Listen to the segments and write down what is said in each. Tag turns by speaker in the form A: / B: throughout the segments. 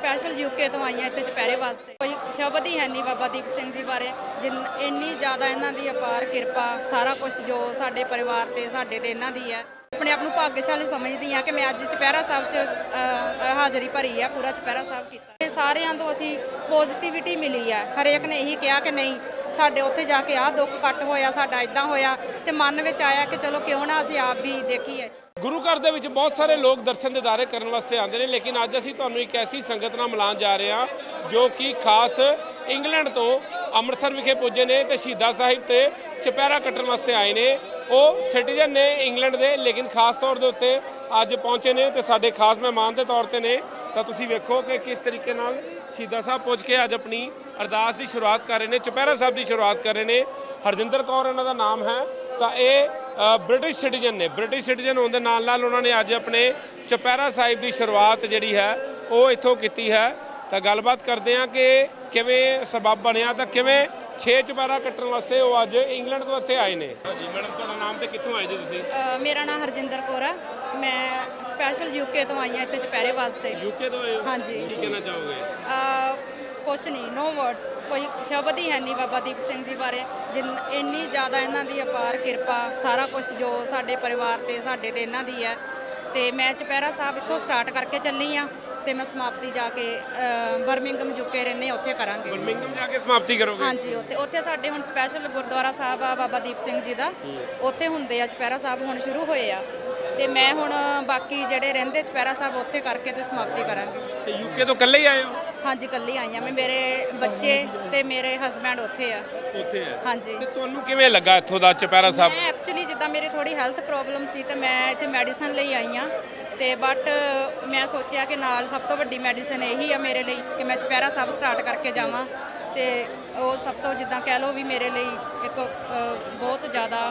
A: Special UK ਤੋਂ ਆਈਆਂ ਇੱਥੇ ਚੁਪਹਿਰੇ ਵਾਸਤੇ। ਕੋਈ ਸ਼ਬਦ ਹੀ ਹੈ ਨਹੀਂ ਬਾਬਾ ਦੀਪ ਸਿੰਘ ਜੀ ਬਾਰੇ, ਇੰਨੀ ਜ਼ਿਆਦਾ ਇਹਨਾਂ ਦੀ ਅਪਾਰ ਕਿਰਪਾ, ਸਾਰਾ ਕੁਝ ਜੋ ਸਾਡੇ ਪਰਿਵਾਰ ਤੇ ਸਾਡੇ ਤੇ ਇਹਨਾਂ ਦੀ ਹੈ। ਆਪਣੇ ਆਪ ਨੂੰ ਭਾਗਸ਼ਾਲੀ ਸਮਝਦੀ ਹਾਂ ਕਿ ਮੈਂ ਅੱਜ ਚੁਪਹਿਰਾ ਸਾਹਿਬ 'ਚ ਹਾਜ਼ਰੀ ਭਰੀ ਹੈ, ਪੂਰਾ ਚੁਪਹਿਰਾ ਸਾਹਿਬ ਕੀਤਾ। ਇਹ ਸਾਰਿਆਂ ਤੋਂ ਅਸੀਂ ਪੋਜ਼ਿਟਿਵਿਟੀ ਮਿਲੀ ਹੈ। ਹਰੇਕ ਨੇ ਇਹੀ ਕਿਹਾ ਕਿ ਨਹੀਂ ਸਾਡੇ ਉੱਥੇ ਜਾ ਕੇ ਆਹ ਦੁੱਖ ਕੱਟ ਹੋਇਆ, ਸਾਡਾ ਇਦਾਂ ਹੋਇਆ, ਤੇ ਮਨ ਵਿੱਚ ਆਇਆ ਕਿ ਚਲੋ ਕਿਉਂ ਨਾ ਅਸੀਂ ਆਪ ਵੀ ਦੇਖੀਏ।
B: ਗੁਰੂ ਘਰ ਦੇ ਵਿੱਚ ਬਹੁਤ ਸਾਰੇ ਲੋਕ ਦਰਸ਼ਨ ਦਿਦਾਰੇ ਕਰਨ ਵਾਸਤੇ ਆਉਂਦੇ ਨੇ, ਲੇਕਿਨ ਅੱਜ ਅਸੀਂ ਤੁਹਾਨੂੰ ਇੱਕ ਐਸੀ ਸੰਗਤ ਨਾਲ ਮਿਲਾਉਣ ਜਾ ਰਹੇ ਹਾਂ ਜੋ ਕਿ ਖਾਸ ਇੰਗਲੈਂਡ ਤੋਂ ਅੰਮ੍ਰਿਤਸਰ ਵਿਖੇ ਪੁੱਜੇ ਨੇ ਤੇ ਸ਼ਹੀਦਾਂ ਸਾਹਿਬ ਤੇ ਚੁਪਹਿਰਾ ਕੱਟਣ ਵਾਸਤੇ ਆਏ ਨੇ। ਉਹ ਸਿਟੀਜ਼ਨ ਨੇ ਇੰਗਲੈਂਡ ਦੇ, ਲੇਕਿਨ ਖਾਸ ਤੌਰ ਦੇ ਉੱਤੇ ਅੱਜ ਪਹੁੰਚੇ ਨੇ ਤੇ ਸਾਡੇ ਖਾਸ ਮਹਿਮਾਨ ਦੇ ਤੌਰ ਤੇ ਨੇ। ਤਾਂ ਤੁਸੀਂ ਵੇਖੋ ਕਿ ਕਿਸ ਤਰੀਕੇ ਨਾਲ ਸ਼ਹੀਦਾਂ ਸਾਹਿਬ ਪੁੱਜ ਕੇ ਅੱਜ ਆਪਣੀ ਅਰਦਾਸ ਦੀ ਸ਼ੁਰੂਆਤ ਕਰ ਰਹੇ ਨੇ, ਚੁਪਹਿਰਾ ਸਾਹਿਬ ਦੀ ਸ਼ੁਰੂਆਤ ਕਰ ਰਹੇ ਨੇ। ਹਰਜਿੰਦਰ ਕੌਰ ਇਹਨਾਂ ਦਾ ਨਾਮ ਹੈ। ਤਾਂ ਇਹ ਬ੍ਰਿਟਿਸ਼ ਸਿਟੀਜ਼ਨ ਨੇ। ਬ੍ਰਿਟਿਸ਼ ਸਿਟੀਜ਼ਨ ਹੋਣ ਦੇ ਨਾਲ ਨਾਲ ਉਹਨਾਂ ਨੇ ਅੱਜ ਆਪਣੇ ਚੁਪਹਿਰਾ ਸਾਹਿਬ ਦੀ ਸ਼ੁਰੂਆਤ ਜਿਹੜੀ ਹੈ ਉਹ ਇੱਥੋਂ ਕੀਤੀ ਹੈ। ਤਾਂ ਗੱਲਬਾਤ ਕਰਦੇ ਹਾਂ ਕਿ ਕਿਵੇਂ ਸਬਬ ਬਣਿਆ, ਤਾਂ ਕਿਵੇਂ 6 ਚੁਪਹਿਰਾ ਕੱਟਣ ਵਾਸਤੇ ਉਹ ਅੱਜ ਇੰਗਲੈਂਡ ਤੋਂ ਇੱਥੇ ਆਏ ਨੇ। ਜੀ ਮੈਡਮ, ਤੁਹਾਡਾ ਨਾਮ ਤੇ ਕਿੱਥੋਂ ਆਏ ਜੀ ਤੁਸੀਂ?
A: ਮੇਰਾ ਨਾਮ ਹਰਜਿੰਦਰ ਕੌਰ ਆ। ਮੈਂ ਸਪੈਸ਼ਲ ਯੂਕੇ ਤੋਂ ਆਈ ਹਾਂ ਇੱਥੇ ਚੁਪਹਿਰੇ ਵਾਸਤੇ।
B: ਯੂਕੇ ਤੋਂ ਆਏ ਹੋ?
A: ਹਾਂਜੀ।
B: ਕੀ ਕਹਿਣਾ ਚਾਹੋਗੇ?
A: ਕੁਛ ਨਹੀਂ, ਨੋ ਵਰਡਸ, ਕੋਈ ਸ਼ਬਦ ਹੀ ਹੈ ਨਹੀਂ ਬਾਬਾ ਦੀਪ ਸਿੰਘ ਜੀ ਬਾਰੇ, ਇੰਨੀ ਜ਼ਿਆਦਾ ਇਹਨਾਂ ਦੀ ਅਪਾਰ ਕਿਰਪਾ, ਸਾਰਾ ਕੁਝ ਜੋ ਸਾਡੇ ਪਰਿਵਾਰ ਤੇ ਸਾਡੇ ਤੇ ਇਹਨਾਂ ਦੀ ਹੈ। ਤੇ ਮੈਂ ਚੁਪਹਿਰਾ ਸਾਹਿਬ ਇੱਥੋਂ ਸਟਾਰਟ ਕਰਕੇ ਚੱਲੀ ਆ ਤੇ ਮੈਂ ਸਮਾਪਤੀ ਜਾ ਕੇ ਬਰਮਿੰਗਮ ਯੂਕੇ ਰਹਿੰਦੇ ਉੱਥੇ ਕਰਾਂਗੇ।
B: ਬਰਮਿੰਗਮ ਜਾ ਕੇ ਸਮਾਪਤੀ ਕਰੋਗੇ?
A: ਹਾਂਜੀ, ਉੱਥੇ ਸਾਡੇ ਹੁਣ ਸਪੈਸ਼ਲ ਗੁਰਦੁਆਰਾ ਸਾਹਿਬ ਆ ਬਾਬਾ ਦੀਪ ਸਿੰਘ ਜੀ ਦਾ, ਉੱਥੇ ਹੁੰਦੇ ਆ ਚੁਪਹਿਰਾ ਸਾਹਿਬ, ਹੁਣ ਸ਼ੁਰੂ ਹੋਏ ਆ। ਤੇ ਮੈਂ ਹੁਣ ਬਾਕੀ ਜਿਹੜੇ ਰਹਿੰਦੇ ਚੁਪਹਿਰਾ ਸਾਹਿਬ ਉੱਥੇ ਕਰਕੇ ਤੇ ਸਮਾਪਤੀ ਕਰਾਂਗੇ।
B: ਤੇ ਯੂਕੇ ਤੋਂ ਇਕੱਲੇ ਹੀ ਆਏ ਹੋ?
A: ਹਾਂਜੀ, ਇਕੱਲੀ ਆਈ ਆ ਮੈਂ, ਮੇਰੇ ਬੱਚੇ ਤੇ ਮੇਰੇ ਹਸਬੈਂਡ ਉੱਥੇ ਆ।
B: ਉੱਥੇ ਆ?
A: ਹਾਂਜੀ।
B: ਤੇ ਤੁਹਾਨੂੰ ਕਿਵੇਂ ਲੱਗਾ ਇੱਥੋਂ ਦਾ ਚੁਪਹਿਰਾ ਸਾਹਿਬ?
A: ਮੈਂ ਐਕਚੁਅਲੀ ਜਿੱਦਾਂ ਮੇਰੀ ਥੋੜੀ ਹੈਲਥ ਪ੍ਰੋਬਲਮ ਸੀ ਤੇ ਮੈਂ ਇੱਥੇ ਮੈਡੀਸਨ ਲਈ ਆਈ ਆ, ਤੇ ਬਟ ਮੈਂ ਸੋਚਿਆ ਕਿ ਨਾਲ ਸਭ ਤੋਂ ਵੱਡੀ ਮੈਡੀਸਨ ਇਹੀ ਆ ਮੇਰੇ ਲਈ ਕਿ ਮੈਂ ਚੁਪਹਿਰਾ ਸਾਹਿਬ ਸਟਾਰਟ ਕਰਕੇ ਜਾਵਾਂ। ਤੇ ਉਹ ਸਭ ਤੋਂ ਜਿੱਦਾਂ ਕਹਿ ਲਓ ਵੀ ਮੇਰੇ ਲਈ ਇੱਕ ਬਹੁਤ ਜ਼ਿਆਦਾ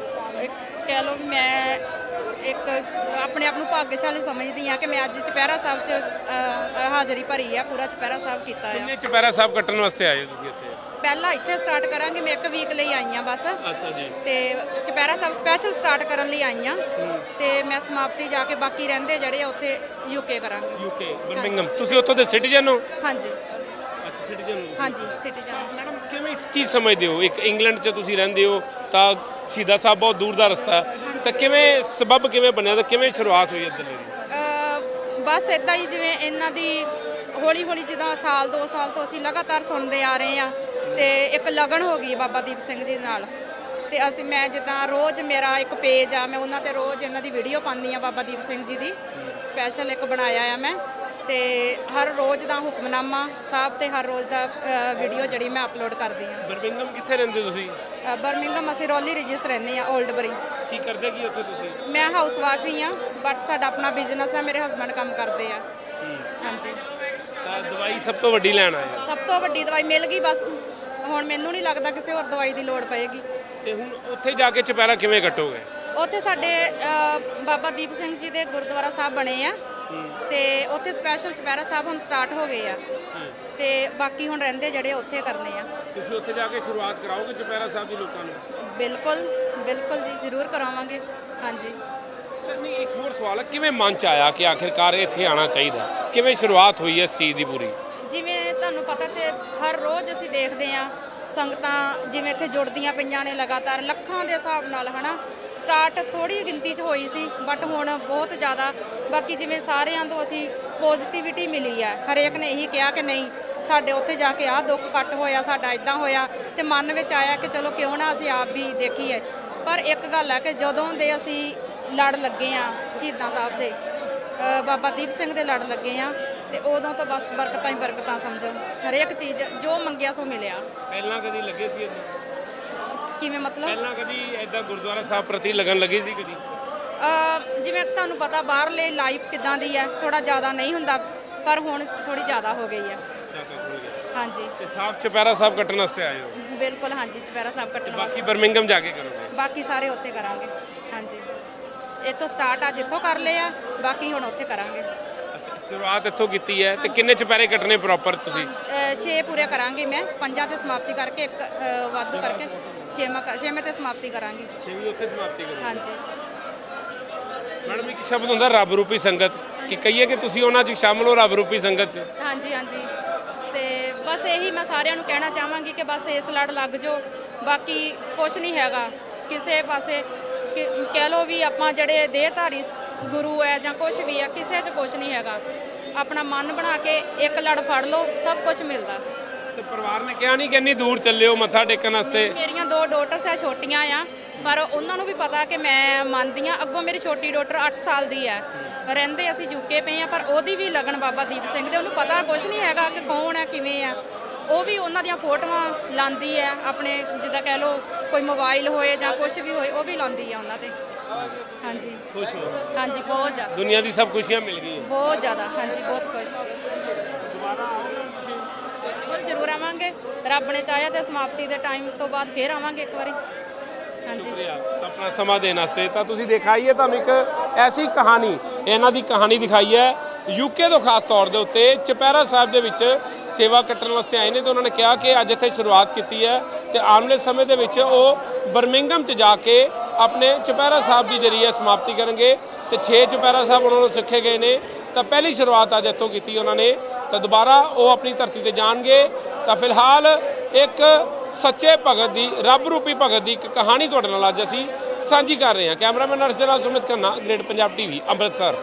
A: ਕਹਿ ਲਓ ਵੀ ਮੈਂ ਇੱਕ ਆਪਣੇ ਆਪ ਨੂੰ ਭਾਗਸ਼ਾਲੀ ਸਮਝਦੀ ਹਾਂ ਕਿ ਮੈਂ ਅੱਜ ਚੁਪਹਿਰਾ ਸਾਹਿਬ 'ਚ ਹਾਜ਼ਰੀ ਭਰੀ ਆ, ਪੂਰਾ ਚੁਪਹਿਰਾ ਸਾਹਿਬ ਕੀਤਾ ਆ।
B: ਕਿੰਨੇ ਚੁਪਹਿਰਾ ਸਾਹਿਬ ਕੱਟਣ ਵਾਸਤੇ ਆਏ ਹੋ ਤੁਸੀਂ ਇੱਥੇ?
A: ਪਹਿਲਾਂ ਇੱਥੇ ਸਟਾਰਟ ਕਰਾਂਗੇ, ਮੈਂ 1 ਵੀਕ ਲਈ ਆਈ ਆ ਬਸ।
B: ਅੱਛਾ ਜੀ।
A: ਤੇ ਚੁਪਹਿਰਾ ਸਾਹਿਬ ਸਪੈਸ਼ਲ ਸਟਾਰਟ ਕਰਨ ਲਈ ਆਈ ਆ ਤੇ ਮੈਂ ਸਮਾਪਤੀ ਜਾ ਕੇ ਬਾਕੀ ਰਹਿੰਦੇ ਜਿਹੜੇ ਉੱਥੇ ਯੂਕੇ ਕਰਾਂਗੇ।
B: UK Birmingham. ਤੁਸੀਂ ਉੱਥੋਂ ਦੇ ਸਿਟੀਜ਼ਨ ਹੋ?
A: ਹਾਂਜੀ।
B: ਅੱਛਾ, ਸਿਟੀਜ਼ਨ ਹੋ?
A: ਹਾਂਜੀ, ਸਿਟੀਜ਼ਨ।
B: ਮੈਡਮ, ਕਿਵੇਂ ਕੀ ਸਮਝਦੇ ਹੋ, ਇੱਕ ਇੰਗਲੈਂਡ 'ਚ ਤੁਸੀਂ ਰਹਿੰਦੇ ਹੋ ਤਾਂ ਸ਼ਹੀਦਾਂ ਸਾਹਿਬ ਬਹੁਤ ਦੂਰ ਦਾ ਰਸਤਾ ਹੈ, ਤਾਂ ਕਿਵੇਂ ਸਬਬ ਕਿਵੇਂ ਬਣਿਆ ਤੇ ਕਿਵੇਂ ਸ਼ੁਰੂਆਤ ਹੋਈ ਇੱਧਰ ਦੀ?
A: ਬਸ ਇਦਾਂ ਹੀ ਜਿਵੇਂ ਇਹਨਾਂ ਦੀ ਹੌਲੀ ਹੌਲੀ ਜਿੱਦਾਂ ਸਾਲ 2 ਸਾਲ ਤੋਂ ਅਸੀਂ ਲਗਾਤਾਰ ਸੁਣਦੇ ਆ ਰਹੇ ਆ ਤੇ ਇੱਕ ਲਗਨ ਹੋ ਗਈ ਬਾਬਾ ਦੀਪ ਸਿੰਘ ਜੀ ਨਾਲ। ਤੇ ਮੈਂ ਜਿੱਦਾਂ ਰੋਜ਼ ਮੇਰਾ ਇੱਕ ਪੇਜ ਆ, ਮੈਂ ਉਹਨਾਂ ਤੇ ਰੋਜ਼ ਇਹਨਾਂ ਦੀ ਵੀਡੀਓ ਪਾਉਂਦੀ ਆ, ਬਾਬਾ ਦੀਪ ਸਿੰਘ ਜੀ ਦੀ ਸਪੈਸ਼ਲ ਇੱਕ ਬਣਾਇਆ ਆ ਮੈਂ। ਤੇ ਹਰ ਰੋਜ਼ ਦਾ ਹੁਕਮਨਾਮਾ ਸਾਹਿਬ ਤੇ ਹਰ ਰੋਜ਼ ਦਾ ਵੀਡੀਓ ਜਿਹੜੀ ਮੈਂ ਅਪਲੋਡ ਕਰਦੀ ਆ।
B: ਬਰਮਿੰਗਮ ਕਿੱਥੇ ਰਹਿੰਦੇ ਤੁਸੀਂ?
A: ਬਰਮਿੰਗਮ ਅਸੀਂ ਰੋਲੀ ਰਿਜਿਸ ਰਹਿੰਦੇ ਆ, ਓਲਡਬਰੀ।
B: ਕੀ ਕਰਦੇ ਕੀ ਉੱਥੇ ਤੁਸੀਂ?
A: ਮੈਂ ਹਾਊਸ ਵਾਈਫ ਹੀ ਆ, ਬਟ ਸਾਡਾ ਆਪਣਾ ਬਿਜ਼ਨਸ ਹੈ, ਮੇਰੇ ਹਸਬੰਡ ਕੰਮ ਕਰਦੇ ਆ। ਹਾਂਜੀ।
B: ਤਾਂ ਦਵਾਈ ਸਭ ਤੋਂ ਵੱਡੀ ਲੈਣ ਆਏ?
A: ਸਭ ਤੋਂ ਵੱਡੀ ਦਵਾਈ ਮਿਲ ਗਈ ਬਸ, ਹੁਣ ਮੈਨੂੰ ਨਹੀਂ ਲੱਗਦਾ ਕਿਸੇ ਹੋਰ ਦਵਾਈ ਦੀ ਲੋੜ ਪਏਗੀ।
B: ਤੇ ਹੁਣ ਉੱਥੇ ਜਾ ਕੇ ਚੁਪਹਿਰਾ ਕਿਵੇਂ ਕੱਟੋਗੇ?
A: ਉੱਥੇ ਸਾਡੇ ਬਾਬਾ ਦੀਪ ਸਿੰਘ ਜੀ ਦੇ ਗੁਰਦੁਆਰਾ ਸਾਹਿਬ ਬਣੇ ਆ ਤੇ ਉੱਥੇ ਸਪੈਸ਼ਲ ਚੁਪਹਿਰਾ ਸਾਹਿਬ ਹੁਣ ਸਟਾਰਟ ਹੋ ਗਏ ਆ ਤੇ ਬਾਕੀ ਹੁਣ ਰਹਿੰਦੇ ਜਿਹੜੇ ਉੱਥੇ ਕਰਨੇ ਆ।
B: ਤੁਸੀਂ ਉੱਥੇ ਜਾ ਕੇ ਸ਼ੁਰੂਆਤ ਕਰਾਓਗੇ ਚੁਪਹਿਰਾ ਸਾਹਿਬ ਦੀ ਲੋਕਾਂ ਨੂੰ?
A: ਬਿਲਕੁਲ ਬਿਲਕੁਲ ਜੀ, ਜ਼ਰੂਰ ਕਰਾਵਾਂਗੇ। ਹਾਂਜੀ।
B: ਨਹੀਂ, ਇੱਕ ਹੋਰ ਸਵਾਲ ਹੈ, ਕਿਵੇਂ ਮਨ 'ਚ ਆਇਆ ਕਿ ਆਖਿਰਕਾਰ ਇੱਥੇ ਆਉਣਾ ਚਾਹੀਦਾ? ਕਿਵੇਂ ਸ਼ੁਰੂਆਤ ਹੋਈ ਹੈ ਇਸ ਚੀਜ਼ ਦੀ ਪੂਰੀ?
A: ਜਿਵੇਂ ਤੁਹਾਨੂੰ ਪਤਾ ਤੇ ਹਰ ਰੋਜ਼ ਅਸੀਂ ਦੇਖਦੇ ਆ ਸੰਗਤਾਂ ਜਿਵੇਂ ਇੱਥੇ ਜੁੜਦੀਆਂ ਪਈਆਂ ਨੇ ਲਗਾਤਾਰ ਲੱਖਾਂ ਦੇ ਹਿਸਾਬ ਨਾਲ, ਹਨਾ। ਸਟਾਰਟ ਥੋੜੀ ਗਿਣਤੀ 'ਚ ਹੋਈ ਸੀ ਬਟ ਹੁਣ ਬਹੁਤ ਜ਼ਿਆਦਾ। ਬਾਕੀ ਜਿਵੇਂ ਸਾਰਿਆਂ ਤੋਂ ਅਸੀਂ ਪੋਜ਼ਿਟਿਵਿਟੀ ਮਿਲੀ ਹੈ, ਹਰੇਕ ਨੇ ਇਹੀ ਕਿਹਾ ਕਿ ਨਹੀਂ ਸਾਡੇ ਉੱਥੇ ਜਾ ਕੇ ਆਹ ਦੁੱਖ ਕੱਟ ਹੋਇਆ, ਸਾਡਾ ਇਦਾਂ ਹੋਇਆ, ਤੇ ਮਨ ਵਿੱਚ ਆਇਆ ਕਿ ਚਲੋ ਕਿਉਂ ਨਾ ਅਸੀਂ ਆਪ ਵੀ ਦੇਖੀਏ। ਪਰ ਇੱਕ ਗੱਲ ਹੈ ਕਿ ਜਦੋਂ ਦੇ ਅਸੀਂ ਲੜ ਲੱਗੇ ਆ ਸ਼ਹੀਦਾਂ ਸਾਹਿਬ ਦੇ, ਬਾਬਾ ਦੀਪ ਸਿੰਘ ਦੇ ਲੜ ਲੱਗੇ ਆ, ਤੇ ਉਦੋਂ ਤੋਂ ਬਸ ਬਰਕਤਾਂ ਹੀ ਬਰਕਤਾਂ ਸਮਝੋ। ਹਰੇਕ ਚੀਜ਼ ਜੋ ਮੰਗਿਆ ਸੋ ਮਿਲਿਆ।
B: ਪਹਿਲਾਂ ਕਦੀ ਲੱਗੇ ਸੀ ਇੱਦਾਂ?
A: ਕਿਵੇਂ ਮਤਲਬ?
B: ਪਹਿਲਾਂ ਕਦੀ ਇੱਦਾਂ ਗੁਰਦੁਆਰਾ ਸਾਹਿਬ ਪ੍ਰਤੀ ਲੱਗਣ ਲੱਗੀ ਸੀ ਕਦੀ?
A: ਜਿਵੇਂ ਤੁਹਾਨੂੰ ਪਤਾ ਬਾਹਰਲੇ ਲਾਈਫ ਕਿੱਦਾਂ ਦੀ ਹੈ, ਥੋੜਾ ਜ਼ਿਆਦਾ ਨਹੀਂ ਹੁੰਦਾ, ਪਰ ਹੁਣ ਥੋੜੀ ਜ਼ਿਆਦਾ ਹੋ ਗਈ ਹੈ। ਹਾਂਜੀ।
B: ਤੇ ਸਾਫ ਚੁਪਹਿਰਾ ਸਾਹਿਬ ਕੱਟਣ ਵਾਸਤੇ ਆਏ ਹੋ?
A: ਬਿਲਕੁਲ, ਹਾਂਜੀ, ਚੁਪਹਿਰਾ ਸਾਹਿਬ ਕੱਟਣ ਵਾਸਤੇ।
B: ਬਾਕੀ ਬਰਮਿੰਗਮ ਜਾ ਕੇ ਕਰੋਗੇ?
A: ਬਾਕੀ ਸਾਰੇ ਉੱਥੇ ਕਰਾਂਗੇ। ਹਾਂਜੀ, ਇੱਥੋਂ ਸਟਾਰਟ ਅੱਜ ਇੱਥੋਂ ਕਰ ਲਏ ਆ, ਬਾਕੀ ਹੁਣ ਉੱਥੇ ਕਰਾਂਗੇ।
B: ਸ਼ੁਰੂਆਤ ਇੱਥੋਂ ਕੀਤੀ ਹੈ। ਤੇ ਕਿੰਨੇ ਚੁਪਹਿਰੇ ਕੱਟਣੇ ਪ੍ਰੋਪਰ ਤੁਸੀਂ?
A: 6 ਪੂਰੇ ਕਰਾਂਗੇ ਮੈਂ, 5 ਤੇ ਸਮਾਪਤੀ ਕਰਕੇ, ਇੱਕ ਵਾਧੂ ਕਰਕੇ 6ਵੇਂ ਤੇ ਸਮਾਪਤੀ ਕਰਾਂਗੇ।
B: 6ਵੀਂ ਉੱਥੇ ਸਮਾਪਤੀ ਕਰੋਗੇ?
A: ਹਾਂਜੀ।
B: ਮੈਡਮ, ਇੱਕ ਸ਼ਬਦ ਹੁੰਦਾ ਰੱਬ ਰੂਪੀ ਸੰਗਤ, ਕਿ ਕਹੀਏ ਕਿ ਤੁਸੀਂ ਉਹਨਾਂ 'ਚ ਸ਼ਾਮਲ ਹੋ ਰੱਬ ਰੂਪੀ ਸੰਗਤ 'ਚ?
A: ਹਾਂਜੀ ਹਾਂਜੀ, ਤੇ ਬਸ ਇਹੀ ਮੈਂ ਸਾਰਿਆਂ ਨੂੰ ਕਹਿਣਾ ਚਾਹਾਂਗੀ ਕਿ ਬਸ ਇਸ ਲੜ ਲੱਗ ਜਾਓ, ਬਾਕੀ ਕੁਝ ਨਹੀਂ ਹੈਗਾ ਕਿਸੇ ਪਾਸੇ। ਕਹਿ ਲਓ ਵੀ ਆਪਾਂ ਜਿਹੜੇ ਦੇਹਧਾਰੀ ਗੁਰੂ ਹੈ ਜਾਂ ਕੁਝ ਵੀ ਹੈ, ਕਿਸੇ 'ਚ ਕੁਝ ਨਹੀਂ ਹੈਗਾ। ਆਪਣਾ ਮਨ ਬਣਾ ਕੇ ਇੱਕ ਲੜ ਫੜ ਲਓ, ਸਭ ਕੁਝ ਮਿਲਦਾ।
B: ਤੇ ਪਰਿਵਾਰ ਨੇ ਕਿਹਾ ਨਹੀਂ ਕਿ ਇੰਨੀ ਦੂਰ ਚੱਲੇ ਹੋ ਮੱਥਾ ਟੇਕਣ ਵਾਸਤੇ?
A: ਮੇਰੀਆਂ 2 ਡਾਟਰਸ ਆ, ਛੋਟੀਆਂ ਆ, ਪਰ ਉਹਨਾਂ ਨੂੰ ਵੀ ਪਤਾ ਕਿ ਮੈਂ ਮੰਨਦੀ ਆ। ਅੱਗੋਂ ਮੇਰੀ ਛੋਟੀ ਡਾਟਰ 8 ਸਾਲ ਦੀ ਹੈ, ਰਹਿੰਦੇ ਅਸੀਂ ਯੂਕੇ ਪਏ ਆ, ਪਰ ਉਹਦੀ ਵੀ ਲਗਨ ਬਾਬਾ ਦੀਪ ਸਿੰਘ ਦੇ, ਉਹਨੂੰ ਪਤਾ ਕੁਝ ਨਹੀਂ ਹੈਗਾ ਕਿ ਕੌਣ ਹੈ ਕਿਵੇਂ ਆ। ਉਹ ਵੀ ਉਹਨਾਂ ਦੀਆਂ ਫੋਟੋਆਂ ਲਾਉਂਦੀ ਹੈ ਆਪਣੇ, ਜਿੱਦਾਂ ਕਹਿ ਲਓ ਕੋਈ ਮੋਬਾਈਲ ਹੋਏ ਜਾਂ ਕੁਝ ਵੀ ਹੋਏ, ਉਹ ਵੀ ਲਾਉਂਦੀ ਆ ਉਹਨਾਂ ਤੇ। ਹਾਂਜੀ
B: ਖੁਸ਼ ਹੋ?
A: ਹਾਂਜੀ, ਬਹੁਤ ਜ਼ਿਆਦਾ,
B: ਦੁਨੀਆ ਦੀ ਸਭ ਖੁਸ਼ੀਆਂ ਮਿਲ ਗਈਆਂ?
A: ਬਹੁਤ ਜ਼ਿਆਦਾ, ਹਾਂਜੀ ਬਹੁਤ ਖੁਸ਼। ਬਿਲਕੁਲ ਜ਼ਰੂਰ ਆਵਾਂਗੇ, ਰੱਬ ਨੇ ਚਾਹਿਆ ਤੇ ਸਮਾਪਤੀ ਦੇ ਟਾਈਮ ਤੋਂ ਬਾਅਦ ਫੇਰ ਆਵਾਂਗੇ ਇੱਕ ਵਾਰੀ। ਹਾਂਜੀ,
B: ਸ਼ੁਕਰੀਆ ਆਪਣਾ ਸਮਾਂ ਦੇਣ ਵਾਸਤੇ। ਤਾਂ ਤੁਸੀਂ ਦਿਖਾਈ ਹੈ ਤੁਹਾਨੂੰ ਇੱਕ ਐਸੀ ਕਹਾਣੀ, ਇਹਨਾਂ ਦੀ ਕਹਾਣੀ ਦਿਖਾਈ ਹੈ ਯੂਕੇ ਤੋਂ ਖਾਸ ਤੌਰ ਦੇ ਉੱਤੇ ਚੁਪਹਿਰਾ ਸਾਹਿਬ ਦੇ ਵਿੱਚ ਸੇਵਾ ਕੱਟਣ ਵਾਸਤੇ ਆਏ ਨੇ। ਤੇ ਉਹਨਾਂ ਨੇ ਕਿਹਾ ਕਿ ਅੱਜ ਇੱਥੇ ਸ਼ੁਰੂਆਤ ਕੀਤੀ ਹੈ ਤੇ ਆਉਣ ਵਾਲੇ ਸਮੇਂ ਦੇ ਵਿੱਚ ਉਹ ਬਰਮਿੰਗਮ 'ਚ ਜਾ ਕੇ ਆਪਣੇ ਚੁਪਹਿਰਾ ਸਾਹਿਬ ਦੀ ਜਿਹੜੀ ਹੈ ਸਮਾਪਤੀ ਕਰਨਗੇ। ਤੇ 6 ਚੁਪਹਿਰਾ ਸਾਹਿਬ ਉਹਨਾਂ ਨੂੰ ਸਿੱਖੇ ਗਏ ਨੇ, ਤਾਂ ਪਹਿਲੀ ਸ਼ੁਰੂਆਤ ਅੱਜ ਇੱਥੋਂ ਕੀਤੀ ਉਹਨਾਂ ਨੇ। ਤਾਂ ਦੁਬਾਰਾ ਉਹ ਆਪਣੀ ਧਰਤੀ ਤੇ ਜਾਣਗੇ। ਤਾਂ ਫਿਲਹਾਲ ਇੱਕ ਸੱਚੇ ਭਗਤ ਦੀ, ਰੱਬ ਰੂਪੀ ਭਗਤ ਦੀ ਇੱਕ ਕਹਾਣੀ ਤੁਹਾਡੇ ਨਾਲ ਅੱਜ ਅਸੀਂ ਸਾਂਝੀ ਕਰ ਰਹੇ ਹਾਂ। ਕੈਮਰਾਮੈਨ ਅਰਸ਼ ਦੇ ਨਾਲ ਸੁਮਿਤ ਖੰਨਾ, ਗ੍ਰੇਟ ਪੰਜਾਬ TV, ਅੰਮ੍ਰਿਤਸਰ।